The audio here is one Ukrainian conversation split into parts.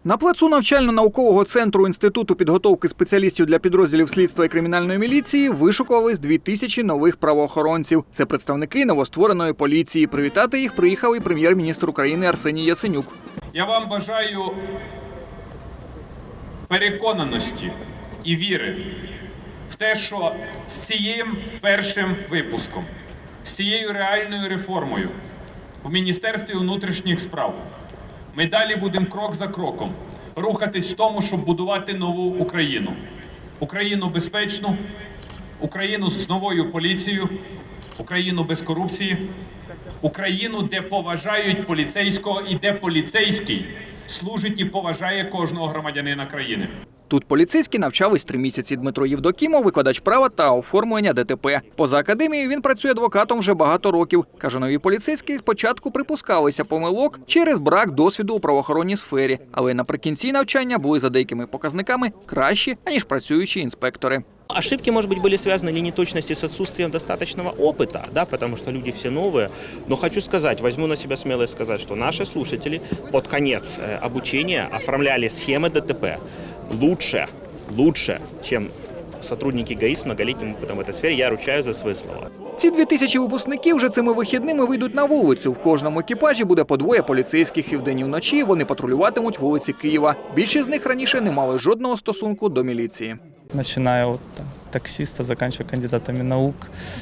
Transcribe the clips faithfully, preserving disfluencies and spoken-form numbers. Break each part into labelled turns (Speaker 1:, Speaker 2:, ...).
Speaker 1: На плацу навчально-наукового центру Інституту підготовки спеціалістів для підрозділів слідства і кримінальної міліції вишукувались дві тисячі нових правоохоронців. Це представники новоствореної поліції. Привітати їх приїхав і прем'єр-міністр України Арсеній Яценюк.
Speaker 2: Я вам бажаю переконаності і віри в те, що з цим першим випуском, з цією реальною реформою в Міністерстві внутрішніх справ ми далі будемо крок за кроком рухатись в тому, щоб будувати нову Україну. Україну безпечну, Україну з новою поліцією, Україну без корупції, Україну, де поважають поліцейського і де поліцейський служить і поважає кожного громадянина країни.
Speaker 1: Тут поліцейські навчались три місяці. Дмитро Євдокімов – викладач права та оформлення ДТП. Поза академією він працює адвокатом вже багато років. Каже, нові поліцейські спочатку припускалися помилок через брак досвіду у правоохоронній сфері. Але наприкінці навчання були за деякими показниками кращі, аніж працюючі інспектори.
Speaker 3: Ошибки, может быть, были связаны или неточности с отсутствием достаточного опыта, да, потому что люди все новые. Но хочу сказать, возьму на себя смелость сказать, что наши слушатели под конец обучения оформляли схемы ДТП лучше, лучше, чем сотрудники ГАИ с многолетним опытом в этой сфере. Я ручаюсь за свои слова.
Speaker 1: Ці дві тисячі випускників вже цими вихідними вийдуть на вулицю. В кожному екіпажі буде по двоє поліцейських, і вдень і вночі вони патрулюватимуть вулиці Києва. Більшість з них раніше не мали жодного стосунку до міліції.
Speaker 4: Начиная от там, таксиста, заканчивая кандидатами наук,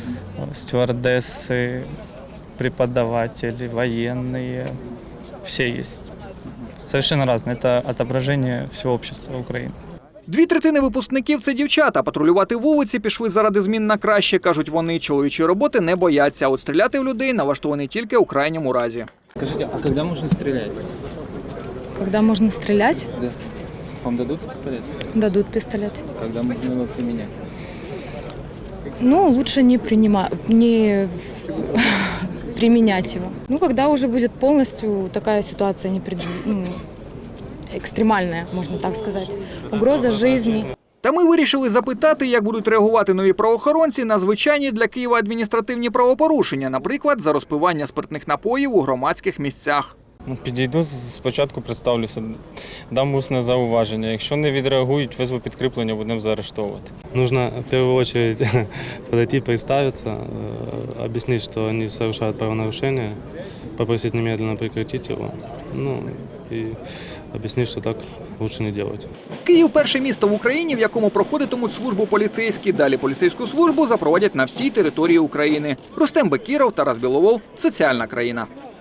Speaker 4: стюардессы, преподаватели, военные, все есть. Совершенно разные. Это отображение всего общества Украины.
Speaker 1: Дві третини випускників – це дівчата. Патрулювати вулиці пішли заради змін на краще, кажуть вони. Чоловічої роботи не бояться, а от стріляти в людей налаштовані тільки у крайньому разі.
Speaker 5: Скажите, а когда можно стрелять?
Speaker 6: Когда можно стрелять?
Speaker 5: Да. Вам дадут пистолет?
Speaker 6: Дадут пистолет.
Speaker 5: Когда можно его применять?
Speaker 6: Ну, лучше не принимать, не применять его. Ну, когда уже будет полностью такая ситуация непред... ну, экстремальная, можно так сказать. Угроза жизни.
Speaker 1: Та ми вирішили запитати, як будуть реагувати нові правоохоронці на звичайні для Києва адміністративні правопорушення, наприклад, за розпивання спиртних напоїв у громадських місцях.
Speaker 7: Підійду, спочатку представлюся, дам усне зауваження. Якщо не відреагують, визву підкріплення, будемо заарештовувати.
Speaker 8: Нужно в первую очередь подойти, представиться, объяснить, что они совершают правонарушение, попросить немедленно прекратить его, ну и объяснить, что так лучше не делать.
Speaker 1: Київ – перше місто в Україні, в якому проходитимуть службу поліцейські. Далі поліцейську службу запровадять на всій території України. Рустем Бекіров, Тарас Біловол. Соціальна країна.